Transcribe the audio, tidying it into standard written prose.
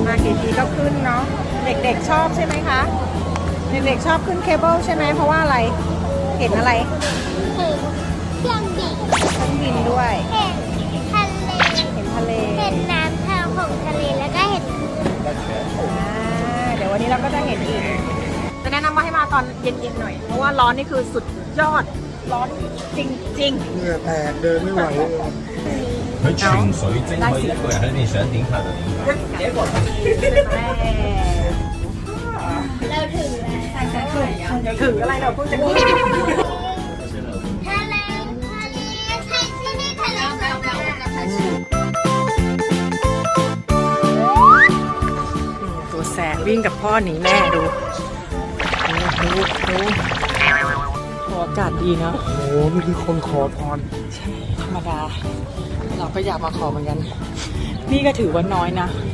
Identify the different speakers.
Speaker 1: มากี่ทีก็ขึ้นเนาะเด็กๆชอบใช่ไหมคะเด็กๆชอบขึ้นเคเบิลใช่ไหมเพราะว่าอะไรเห็นอะไร
Speaker 2: คือเครื่องบิน
Speaker 1: เครื่องบินด้วย
Speaker 2: เห็นทะเล
Speaker 1: เห็นทะเล
Speaker 2: เห็นน้ำทางของทะเลแล้วก็เห็น
Speaker 1: เดี๋ยววันนี้เราก็จะเห็นอีกจะแนะนำว่าให้มาตอนเย็นๆหน่อยเพราะว่าร้อนนี่คือสุดยอดร้อนจริง
Speaker 3: เหงื่อแตกเดินไม่ไหวเลย
Speaker 4: 佢泉水晶可以一個人喺你想點拍就點拍。
Speaker 1: ๆ
Speaker 2: เราถึงแล้ว
Speaker 1: ถืออะไรเราเพิ่งจะขึ้น
Speaker 2: ทะเลทะเลใช่ที่นี่ทะเลสวยมาก
Speaker 1: ตัวแสบวิ่งกับพ่อหนีแม่ดูโอ้อากาศดีเนาะ
Speaker 3: โอ้โหนี่คือคนขอพร
Speaker 1: ธรรมดา เราก็อยากมาขอเหมือนกัน นี่ก็ถือว่าน้อยนะ